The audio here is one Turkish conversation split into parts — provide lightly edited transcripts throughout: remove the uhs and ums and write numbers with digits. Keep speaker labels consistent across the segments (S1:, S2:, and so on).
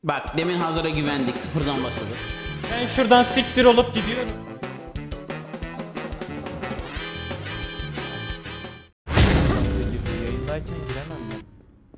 S1: Bak demin hazıra güvendik, sıfırdan başladık.
S2: Ben şuradan siktir olup gidiyorum. Yayındayken giremem ben.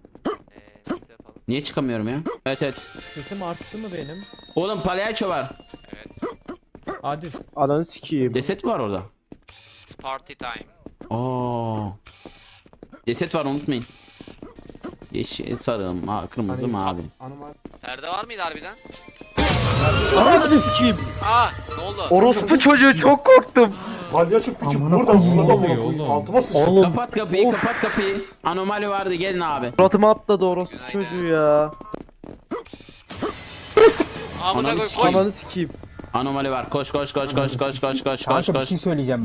S1: Niye çıkamıyorum ya? Evet evet.
S2: Sesim arttı mı benim?
S1: Oğlum palyaço var.
S2: Hadi.
S3: Ananı sikeyim.
S1: Ceset mi var orada?
S4: It's party time.
S1: Oo. Ceset var, unutmayın. Yeşil, sarı, kırmızı, mavi.
S4: Perde var mıydı harbiden?
S3: Ananı sikeyim.
S4: Aa, ne oldu?
S3: Orospu çocuğu, çok korktum.
S5: Palyaço piçi burada burada
S2: oluyor
S5: oğlum.
S2: oğlum?
S5: Altıma sıçtı.
S3: Oğlum
S1: Kapat kapıyı, kapat kapıyı. Anomali vardı, gelin abi.
S3: suratıma atladı orospu çocuğu ya.
S4: Amına
S1: Ananı
S4: koy
S1: sikeyim.
S4: koş.
S3: Ananı sikeyim.
S1: Anomali var. Koş koş koş koş koş koş koş koş
S6: Kanka bir
S1: koş.
S6: şey söyleyeceğim.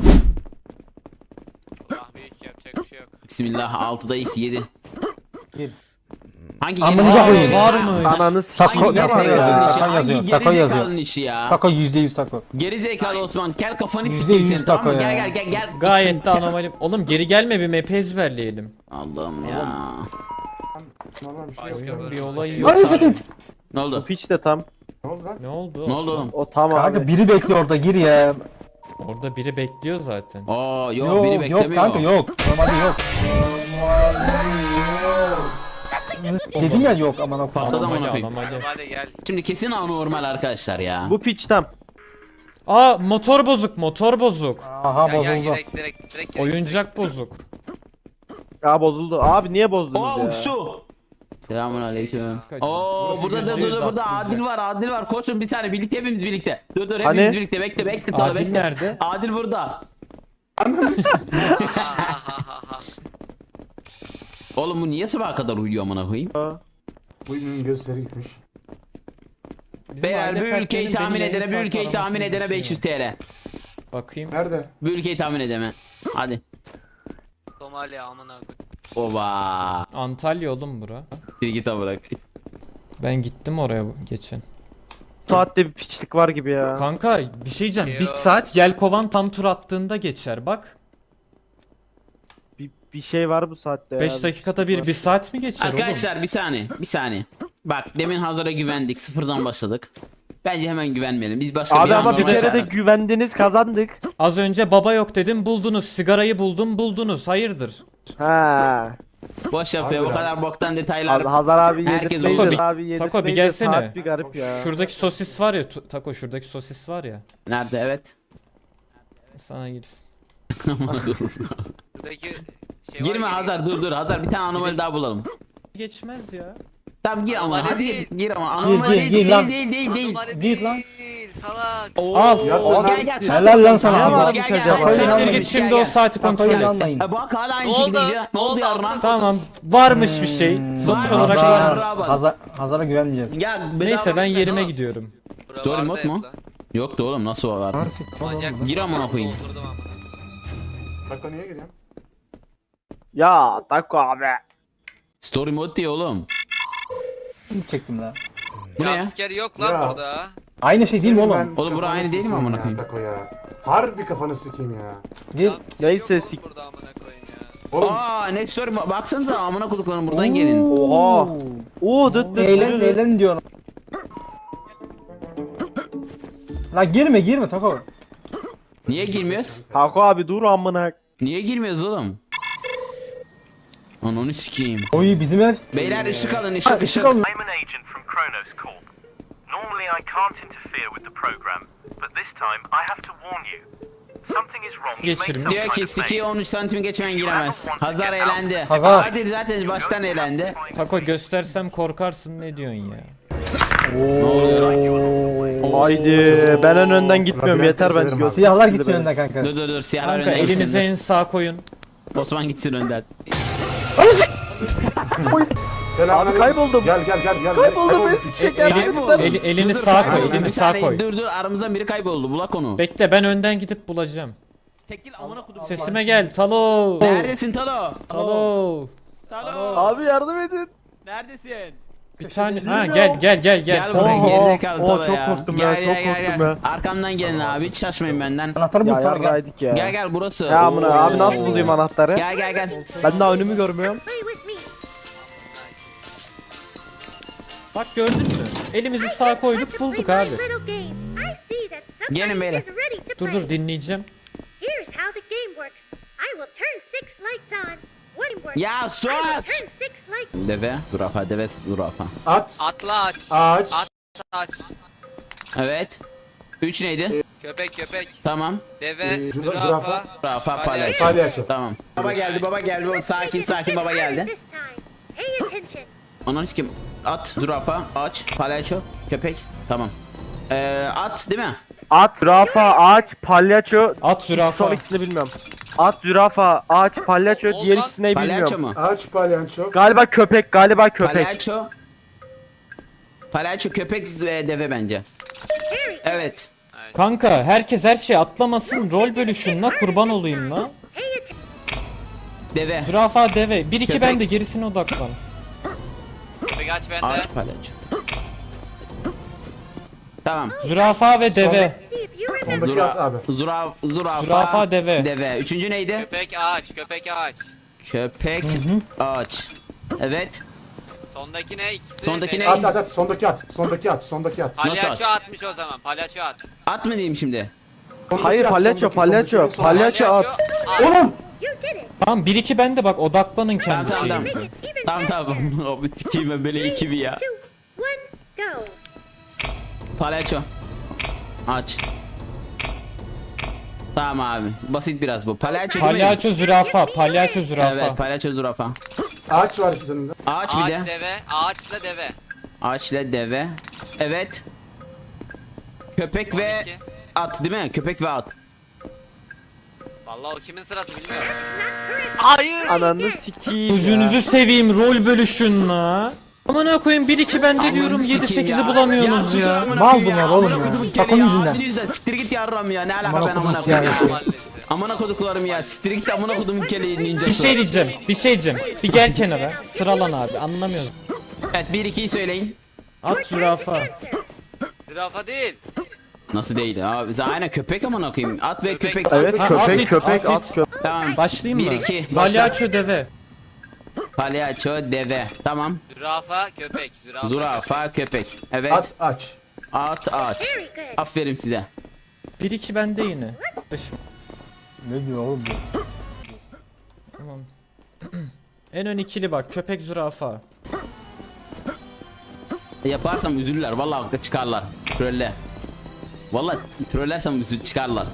S4: Ah büyük yapacak bir şey yok.
S1: Bismillah, 6'da x 7.
S6: Gir.
S1: Hangi
S6: Amınıza
S1: geri
S6: koyayım.
S1: zekalı
S2: Varmış.
S3: Ananı
S6: Tako,
S3: sikeyim.
S6: tako
S1: işi?
S6: yazıyor. Tako
S1: Hangi
S6: yazıyor.
S1: geri
S6: Tako yazıyor.
S1: zekalının işi ya?
S6: Tako %100 tako.
S1: Geri zekalı Osman, gel kafanı
S6: Yüzde
S1: sikeyim
S6: yüz
S1: senin, tamam mı?
S6: tako
S1: Gel
S6: ya.
S1: gel gel gel.
S2: Gayet de anomali. Oğlum geri gelme, bir map ezberleyelim.
S1: Allah'ım ya.
S5: Normal bir şey yok.
S2: Oyun bir olay yok.
S6: Hadi satayım.
S1: Ne oldu?
S3: Piç de tam.
S5: Ne oldu lan?
S2: Ne oldu?
S1: Ne oldu
S2: Osman?
S1: oğlum?
S3: O tam
S6: Kanka
S3: abi.
S6: biri bekliyor orada, gir ya.
S2: Orada biri bekliyor zaten.
S1: Oo yok,
S6: Yok
S1: biri
S6: yok
S1: beklemiyor.
S6: kanka yok. Normalde yok. Dedim ya yok aman okuma.
S1: Patladı amına
S2: Anomali
S1: koyayım.
S2: anomali.
S4: Hadi gel.
S1: Şimdi kesin anormal arkadaşlar ya.
S3: Bu piç tam.
S2: Aa, motor bozuk, motor bozuk.
S6: Aha
S4: Gel gel
S6: bozuldu.
S4: direkt.
S2: Oyuncak bozuk.
S3: Ya bozuldu. Abi niye bozdunuz
S1: Oo
S3: ya?
S1: uçtu. Selamun aleyküm.
S2: Kaçın.
S1: Oo burada da
S2: yüzde yüz
S1: burada
S2: aklımızda.
S1: Adil var. Koşun bir tane birlikte, hepimiz birlikte. Dur hepimiz
S3: Hani?
S1: birlikte, bekle tabii
S2: Adil
S1: bekle.
S2: nerede?
S1: Adil burada. Oğlum bu niye sabaha kadar uyuyor amına koyayım?
S5: Bu ünlünün gözleri gitmiş.
S2: Bizim
S1: Beyler
S2: aile
S1: bu ülkeyi
S2: fertlerinin
S1: tahmin
S2: beni
S1: edene, bu
S2: yayın
S1: ülkeyi
S2: saat
S1: tahmin
S2: aramasını
S1: edene 500 TL.
S2: Bakayım.
S5: Nerede?
S1: Bu ülkeyi tahmin edeme. Hadi.
S4: Somali amına koy.
S1: Oba.
S2: Antalya oğlum bura.
S1: Bir git bırak.
S2: Ben gittim oraya geçen.
S3: Saatte bir piçlik var gibi ya.
S2: Kanka bir şey diyeceğim. Bir
S4: Yok.
S2: saat Yelkovan tam tur attığında geçer bak.
S3: Bir şey var bu saatte ya.
S2: 5 dakikada bir saat mi geçer
S1: Arkadaşlar bir saniye. Bak demin hazıra güvendik, sıfırdan başladık. Bence hemen güvenmeyelim. Biz başka
S3: Abi ama bir
S1: anormal
S3: kere de
S1: şeyler-
S3: güvendiniz, kazandık.
S2: oğlum? Az önce baba yok dedim, buldunuz. Sigarayı buldunuz. Hayırdır?
S3: Ha.
S1: Boş yapıyor bu
S5: Harbiden.
S1: kadar boktan detaylar.
S3: Hazar abi
S1: Herkes
S3: yedirtmeyiz.
S1: oldu.
S3: Abi yedirtmeyiz.
S2: Tako bir
S3: de
S2: gelsene.
S3: Saat bir garip ya.
S2: Şuradaki sosis var ya Tako, şuradaki sosis var ya.
S1: Nerede, evet.
S2: Sana girsin.
S4: Buradaki şey var
S1: Girme
S4: ya,
S1: Hazar, dur Hazar, bir tane anomali daha bulalım.
S2: Geçmez ya.
S1: Tamam gir ama
S4: Anomali
S1: hadi
S4: değil.
S1: gir ama anomali
S6: gir,
S1: değil
S6: gir lan.
S1: değil.
S4: Anomali
S6: Git lan.
S4: değil, salak.
S1: Oo,
S2: Al.
S5: Yatın
S1: gel
S5: lan.
S6: Helal lan sana.
S3: Ne
S6: Abi.
S3: varmış
S1: Gel,
S3: acaba?
S1: gel.
S6: Siktir
S2: Siktir
S1: Gel,
S2: git şimdi
S1: gel.
S2: o saati kontrol
S6: Takoyu
S2: et.
S6: anlayın.
S1: Bak hala aynı
S4: Ne
S1: şekilde
S4: oldu?
S1: gidiyor. Ne oldu yarına?
S2: Tamam. Varmış bir şey. Sonuç
S1: Var,
S2: olarak
S1: var.
S2: var.
S6: Hazara güvenmeyeceğim.
S1: Ya
S2: Neyse ben yerime
S4: Tamam.
S2: gidiyorum.
S4: Bura
S1: Story
S4: vardı
S1: mode
S4: hep
S1: mu?
S4: lan.
S1: Yoktu oğlum, nasıl var?
S4: Manyak
S1: Gir amına koyayım.
S4: doldurdum amına.
S5: Taka niye giriyorsun?
S3: Ya Tako abi.
S1: Story mode diye oğlum.
S6: Çektim lan.
S1: Bu ne ya?
S4: Jumpscare yok lan
S5: Ya.
S4: burada.
S6: Aynı şey değil mi oğlum?
S1: Oğlum, bura
S5: kafanı
S1: aynı değil mi
S5: sikeyim
S1: amına
S5: ya,
S1: koyayım?
S5: Tako ya. Harbi kafanı sikeyim ya.
S6: Gir.
S3: Neyse,
S4: Yok
S3: sik-
S4: oğlum burada amına koyayım ya.
S5: Oğlum
S1: Aa ne story baksanıza amına koduklarım, buradan gelin.
S3: Oha. Oo dıt dıt.
S6: Eğlen diyorum. La girme Tako.
S1: Niye girmiyoruz?
S3: Tako abi dur amına.
S1: Niye girmiyoruz oğlum? Ananı sikeyim.
S6: Oy bizim ev.
S1: Beyler ışık alın,
S6: Ha,
S1: ışık.
S6: alın.
S7: I'm an agent from Kronos Corp. Normally I can't interfere with the program, but this time I have to warn you. Something is wrong. You've made
S2: Geçirmiş.
S7: some
S1: Diyor
S7: kind
S1: ki
S7: of
S1: Siki
S7: mail.
S1: 13 santimi geçmeyen giremez. Hazar elendi.
S6: Hazar.
S1: Adil zaten baştan elendi.
S2: Tako göstersem korkarsın, ne diyorsun ya?
S1: Ne oluyor lan?
S3: Haydi ben en önden gitmiyorum,
S5: Labirent
S3: yeter ben.
S5: severim abi.
S3: göz-
S6: Siyahlar gitsin önden kanka.
S1: Dur siyahlar
S2: Kanka
S1: önden
S2: elinize
S1: gitsin.
S2: en sağ koyun.
S1: Osman gitsin önden.
S5: selam.
S3: Abi kayboldum.
S5: Gel.
S3: Kayboldum, ben sikecek yer
S1: Kayboldu.
S2: Elini
S1: Dur,
S2: sağa
S1: kayboldu.
S2: koy, elini
S1: Bir
S2: sağa
S1: saniye,
S2: koy.
S1: Dur aramızdan biri kayboldu, bulak onu.
S2: Bekle, ben önden gidip bulacağım.
S1: Tekil amına kodum.
S2: Sesime gel Talo.
S1: Neredesin Talo?
S2: Talo.
S1: Talo.
S3: Abi yardım edin.
S1: Neredesin?
S2: Bir tane. Ha gel.
S1: Gel buraya,
S3: Oo,
S1: gerizekalı
S3: oo,
S1: Talo
S3: çok
S1: ya.
S3: korktum ya, çok korktum ya.
S1: Arkamdan gelin abi, hiç şaşmayın benden.
S6: Anahtarı bul
S3: Ya
S6: Tara gel.
S3: yarraydık ya.
S1: Gel burası.
S3: Ya amına abi nasıl bulayım anahtarı?
S1: Gel.
S3: Ben daha önümü görmüyorum.
S2: Bak gördün mü? Elimizi sağa koyduk bulduk abi.
S1: Gelin beyler.
S2: Dur dur dinleyeceğim.
S1: Ya sus! Deve, zürafa, deve, zürafa.
S5: At.
S4: Atla aç.
S5: Ağaç.
S4: Aç.
S1: Evet. 3 neydi?
S4: Köpek.
S1: Tamam.
S4: Deve.
S5: Zürafa.
S4: Zürafa.
S1: Zürafa, palyaço.
S5: Palyaço.
S1: Tamam. Baba geldi, baba geldi. Sakin baba geldi. Onun kim? At, zürafa, ağaç, palyaço, köpek. Tamam. At değil mi?
S3: At, zürafa, ağaç, palyaço.
S2: At zürafa.
S3: Son ikisini bilmiyorum. At, zürafa, ağaç, palyaço.
S4: Olmaz.
S3: Diğer ikisini
S1: Palyaço
S3: bilmiyorum.
S1: mu?
S5: Ağaç palyaço.
S3: Galiba köpek, galiba köpek.
S1: Palyaço. Palyaço, köpek ve deve bence. Evet.
S2: Kanka herkes her şey atlamasın rol bölüşün la kurban olayım la.
S1: Deve.
S2: Zürafa deve. 1-2
S1: Köpek.
S2: bende gerisine odaklan.
S4: Köpek aç bende.
S1: Ağaç, palyaço. Tamam.
S2: Zürafa ve deve.
S5: Ondaki at abi.
S1: Zürafa,
S2: Zürafa, deve.
S1: Deve. Üçüncü neydi?
S4: Köpek ağaç. Köpek ağaç.
S1: Köpek, ağaç. Evet.
S4: Sondaki ne? İkisi
S1: Sondaki
S4: ne?
S1: ne?
S5: At. Sondaki at. Sondaki at.
S1: Nasıl
S4: Palyaço
S1: aç?
S4: atmış o zaman. Palyaço at.
S1: At mı diyeyim şimdi?
S5: Sondaki
S3: Hayır,
S5: at,
S3: palyaço, palyaço.
S5: sondaki.
S3: Palyaço at.
S5: Oğlum.
S2: Tamam 1-2 bende bak odaklanın
S1: Tamam
S2: kendi
S1: tamam
S2: şeyinize.
S1: tamam. Abi sikeyim ben böyle iki bir ya. Palyaço. Aç. Tamam abi. Basit biraz bu. Palyaço değil mi?
S2: Palyaço zürafa. Palyaço zürafa.
S1: Evet, palyaço zürafa.
S5: Ağaç var sizin de.
S1: Ağaç bir
S4: Ağaç
S1: de.
S4: deve. Ağaçla deve.
S1: Ağaçla deve. Evet. Köpek ve
S4: 12.
S1: at değil mi? Köpek ve at.
S4: Vallahi o kimin sırası bilmiyorum.
S3: Ananı sikiyim ya.
S2: Gözünüzü seveyim rol bölüşün la. Amına koyayım 1-2 bende diyorum
S1: Aman sikeyim
S2: 7-8'i
S1: ya.
S2: bulamıyorsunuz
S1: sus
S2: ya.
S1: amına
S6: Mal
S1: koyayım
S6: bunlar
S1: ya.
S6: oğlum
S1: Amına
S6: ya.
S1: koydum
S6: Takım
S1: kele ya.
S6: yüzünden.
S1: Hadi yüzden. Siktir git yarram ya. Ne alaka
S6: Amına
S1: ben
S6: kodum
S1: amına koyayım ya.
S4: Mahallesi.
S1: Amına koduklarım ya. Siktir git de amına kodumun keleği ninjası.
S2: Bir şey diyeceğim. Bir gel kenara. Sıralan abi anlamıyoruz.
S1: Evet 1-2'yi söyleyin.
S2: At zürafa.
S4: Zürafa değil.
S1: Nasıl değil abi? Aynen köpek amına koyayım. At ve köpek.
S3: Evet,
S2: Ha, at
S3: köpek,
S2: it,
S3: köpek,
S2: at
S3: at,
S2: it.
S3: köpek.
S1: Tamam.
S2: Başlayayım mı?
S1: 1-2. Başla.
S2: Palyaço deve.
S1: Palyaço deve. Tamam.
S4: Zürafa köpek.
S1: Zürafa köpek. Evet.
S5: At aç.
S1: At ağaç. Aferin size.
S2: 1-2 bende yine.
S6: Ne diyor oğlum bu?
S2: Tamam. En ön ikili bak köpek zürafa.
S1: Yaparsam üzülürler. Vallahi çıkarlar. Trolle. Vallahi trollersem çıkarlar.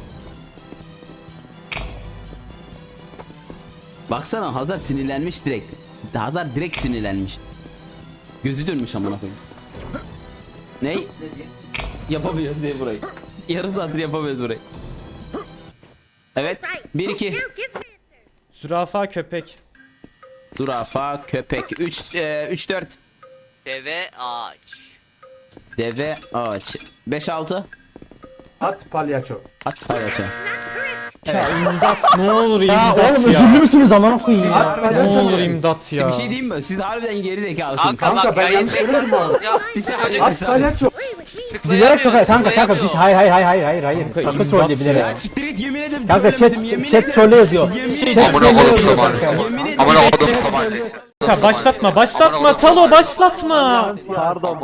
S1: Baksana Hazar sinirlenmiş direkt. Hazar direkt sinirlenmiş. Gözü dönmüş amına koyayım. Ney? Yapamıyoruz diye burayı. Yarım saattir yapamıyoruz burayı. Evet. 1-2.
S2: Zürafa köpek.
S1: Zürafa, köpek. 3-4.
S4: Deve ağaç.
S1: Deve, ağaç. 5-6.
S5: At palyaço.
S1: At palyaço.
S2: Ya imdat ne olur
S6: Ya
S2: imdat
S6: oğlum
S2: ya.
S6: özürlü müsünüz amına koyayım ya?
S5: At
S2: Ne
S5: palyaço.
S2: olur imdat ya.
S1: Bir şey diyeyim mi? Siz harbiden geri zekalısınız.
S4: Kanka,
S5: Kanka,
S4: bak
S5: ben
S4: yayın
S5: yanlış söylemedim bu arada.
S4: alacağım.
S1: Bir saniye.
S5: At palyaço.
S6: Bilerek köpek kanka bir şey. Hayır.
S2: Kanka,
S6: Takı
S2: imdat
S6: troll
S2: ya.
S6: bilerek.
S1: Ya siktir et yemin ederim.
S6: Kanka
S1: trollemedim,
S6: chat trolle yazıyor.
S1: Yemin
S6: Chat
S1: ederim.
S6: trolle yazıyor kanka.
S1: Yemin ederim.
S2: Kanka başlatma Talo başlatma.
S3: Pardon.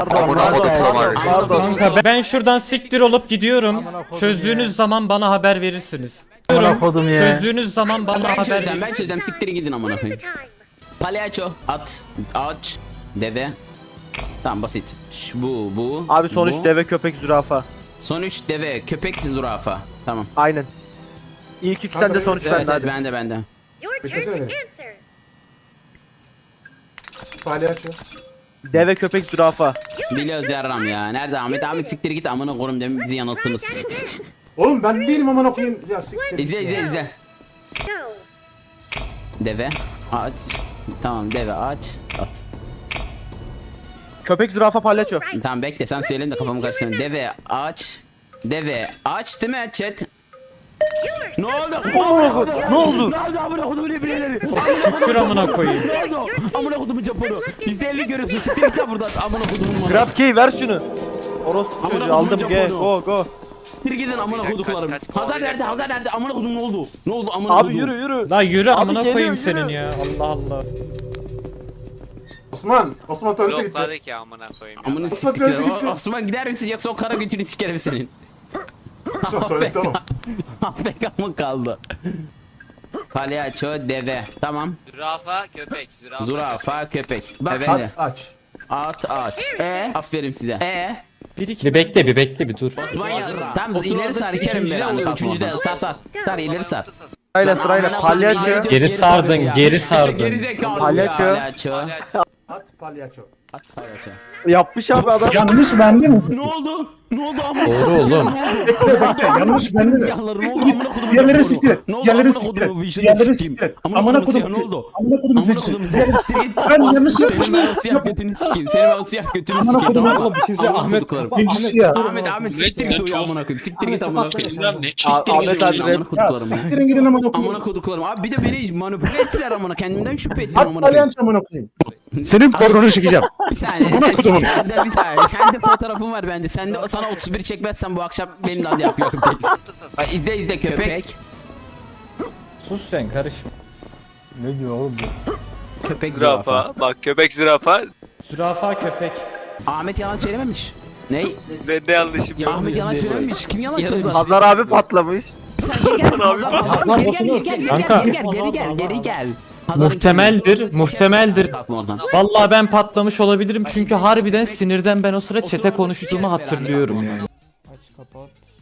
S2: Kanka ben şuradan siktir olup gidiyorum. Çözdüğünüz zaman bana haber verirsiniz.
S6: Amına kodum ya.
S2: Çözdüğünüz zaman bana
S1: Ben
S2: haber
S1: çözeceğim,
S2: verirsiniz.
S1: siktirin gidin amına koyayım. Palyaço, at, ağaç, deve. Tamam basit. Bu.
S3: Abi sonuç
S1: bu.
S3: deve, köpek, zürafa.
S1: Son 3 deve, köpek, zürafa. Tamam.
S3: Aynen. İlk üç
S5: Kanka,
S3: sende, sonuç
S1: Evet,
S3: sende
S1: evet
S3: hadi.
S1: bende.
S5: Beklesene beni. Palyaço.
S3: Deve, köpek, zürafa.
S1: Biliyoruz yarram ya. Nerede Ahmet? Ahmet siktir git amına koyayım demin bizi yanılttınız.
S5: Oğlum ben değilim amına koyayım. Ya siktir.
S1: İzle. Deve, ağaç. Tamam deve, ağaç, at.
S3: Köpek, zürafa, palyaço.
S1: Tamam bekle sen söyleyin de kafamı karıştırma. Deve, ağaç. Deve, ağaç değil mi chat? Ne oldu?
S3: Ne oldu?
S1: Amına kodumun ibneleri.
S2: Şükür amına koyayım.
S1: Ne oldu? Amına kodumun Japonu. %50 görüyorsun. Siktir git lan buradan. Amına kodumun.
S3: Grab key ver şunu. Orospu
S1: Amına
S3: çocuğu
S1: kodumun
S3: aldım ge.
S1: Japonu.
S3: Go.
S1: Siktir gidin amına
S4: Kaç,
S1: koduklarım.
S4: kaç,
S1: Hazar nerede? Hazar nerede? Amına kodum ne oldu? Ne oldu amına
S3: Abi
S1: kodum?
S3: yürü.
S2: La yürü amına
S3: geliyor,
S2: koyayım
S3: yürü.
S2: senin ya. Allah Allah.
S5: Osman tuvalete gitti.
S4: Blokladı ki amına koyayım.
S1: Amına
S4: ya.
S5: Osman
S1: siktir.
S5: tuvalete gitti.
S1: Osman gider misin yoksa o kara götünü sikerim senin.
S5: Osman tuvalette oğlum.
S1: AFK mı kaldı? Palyaço deve. Tamam.
S4: Zürafa köpek.
S1: Zürafa köpek. Bak
S5: At
S1: şimdi.
S5: aç.
S1: At aç. Aferin size.
S2: Bir bekle bir dur.
S1: Osman ya. Tamam ileri sar ikerim ben. Üçüncüde sar. Sar ileri sar.
S3: Sırayla palyaço.
S2: Geri sardın, geri sardın.
S1: Geri zekalı.
S3: Palyaço.
S1: Palyaço.
S5: At palyaço.
S1: At palyaço.
S3: Yapmış abi adam.
S6: Yanlış bende mi?
S1: Ne oldu? Ne oldu amına?
S2: Doğru oğlum.
S6: Yanlış bende mi?
S1: Siyahları ne oldu amına kodumun?
S6: Diğerleri siktir et.
S1: Ne oldu
S6: Diğerleri
S1: amına
S6: siktir et.
S1: kodumun? Vizyonu
S6: Diğerleri
S1: sikeyim.
S6: siktir et.
S1: Amına
S6: Amına
S1: kodumun
S6: kodum
S1: siyah ne oldu?
S6: Amına kodum
S1: Amına
S6: siktir.
S1: kodumun
S6: Diğerleri
S1: siyah.
S6: siktir.
S1: Git.
S6: Ben yanlış
S1: Senin
S6: yapmışım.
S1: ben o siyah götünü sikeyim. Senin ben o siyah götünü
S6: Amına
S1: sikeyim
S6: kodum,
S1: tamam mı?
S6: oğlum, bir şey söyle,
S1: Amına
S6: Ahmet.
S1: koduklarım.
S6: Birincisi ya.
S1: Ahmet siktir git uyu amına koyayım. Siktir git amına koyayım.
S3: Ahmet abi
S1: Amına
S3: rap.
S1: koduklarım.
S6: Siktirin gidin amına kodum.
S1: Amına koduklarım. Abi bir de beni manipüle ettiler amına. Kendimden şüphe ettim
S6: At
S1: amına koyayım.
S6: palyaço amına koyayım. Senin pornonu çekeceğim.
S1: Bir saniye.
S6: Amına kodumun.
S1: Sende fotoğrafım var bende. Sana 31 çekmezsen bu akşam benimle hadi yapıyorum. İzle köpek.
S2: Sus sen karışma.
S6: Ne diyor oğlum bu?
S1: Köpek zürafa.
S8: Bak köpek zürafa.
S2: Zürafa köpek.
S1: Ahmet yalan söylememiş. Ney?
S8: Ne yanlışım
S1: Ya Ahmet yalan söylememiş. Kim yalan söylemiş?
S3: Hazar abi patlamış.
S1: Sen geri gel.
S2: Muhtemeldir. Vallahi ben patlamış olabilirim çünkü harbiden sinirden ben o sıra çete konuştuğumu hatırlıyorum yani. Aç kapat.